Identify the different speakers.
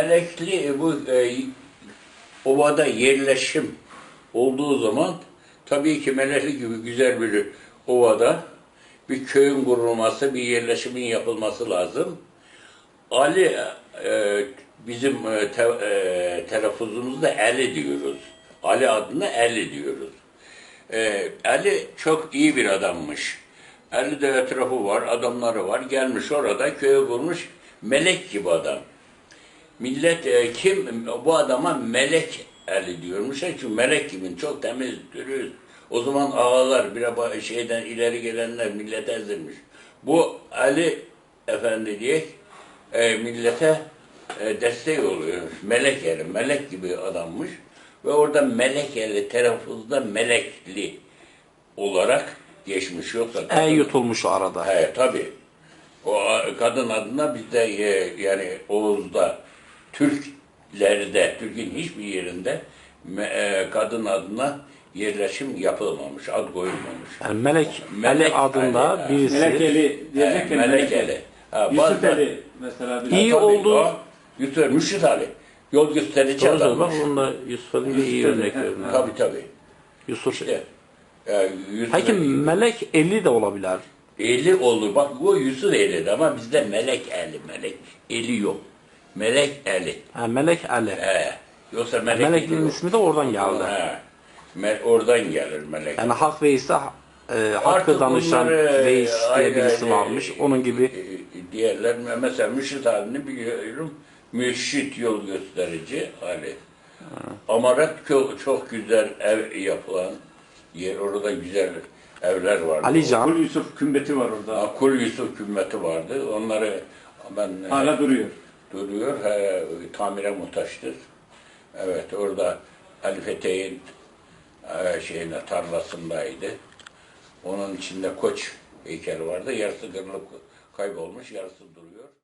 Speaker 1: Melekli bu ovada yerleşim olduğu zaman tabii ki Melekli gibi güzel bir ovada bir köyün kurulması, bir yerleşimin yapılması lazım. Ali bizim telaffuzumuzda Ali diyoruz. Ali adına Ali diyoruz. Ali çok iyi bir adammış. Ali de etrafı var, adamları var. Gelmiş orada köye kurmuş melek gibi adam. Millet kim bu adama melek Ali diyormuş. Çünkü melek gibi çok temiz, dürüst. O zaman ağalar bir şeyden ileri gelenler millete ezilmiş. Bu Ali Efendi diye millete destek oluyor. Melek eli, melek gibi adammış. Ve orada Melekeli telaffuzda Melekli olarak geçmiş. Yoksa kadın,
Speaker 2: yutulmuş arada.
Speaker 1: He tabii. O kadın adına bizde yani Oğuz'da, Türklerde, Türk'ün hiçbir yerinde kadın adına yerleşim yapılmamış, ad koyulmamış.
Speaker 2: Yani Melek Ali adında birisi.
Speaker 3: Melekeli diyecekken
Speaker 1: Melekeli.
Speaker 3: Yusuf Ali mesela.
Speaker 2: İyi oldu.
Speaker 1: Yusuf, Mürşit Ali. Yol gösterici
Speaker 2: Bak
Speaker 1: adammış.
Speaker 2: bunda Yusuf Ali iyi örnek verdim.
Speaker 1: Tabii.
Speaker 2: Yusuf.
Speaker 1: İşte, Yusuf
Speaker 2: Peki Melek Eli de olabilir.
Speaker 1: Eli olur. Bak bu Yusuf Eli'di ama bizde Melek Eli. Melek Eli yok. Melek Eli.
Speaker 2: Ha, Melek Ali.
Speaker 1: Yoksa Melek
Speaker 2: Melek'in
Speaker 1: Eli yok.
Speaker 2: ismi de oradan geldi.
Speaker 1: Oradan gelir Melek.
Speaker 2: Yani Hak Veys'te Hakkı
Speaker 1: Artık
Speaker 2: danışan
Speaker 1: bunları,
Speaker 2: Veys diye birisi
Speaker 1: ayrı
Speaker 2: varmış. Onun gibi
Speaker 1: diğerler mesela Mürşit halini biliyorum. Mürşit yol gösterici Ali. Amarat çok güzel ev yapılan yer. Orada güzel evler vardı.
Speaker 2: Alican.
Speaker 3: Kul Yusuf kümbeti var orada.
Speaker 1: Kul Yusuf kümmeti vardı. Onları ben
Speaker 3: Hala duruyor.
Speaker 1: duruyor. Tamire muhtaçtır. Evet orada Ali Fethi'nin tarlasındaydı. Onun içinde koç heykeli vardı. Yarısı kırılıp kaybolmuş, yarısı duruyor.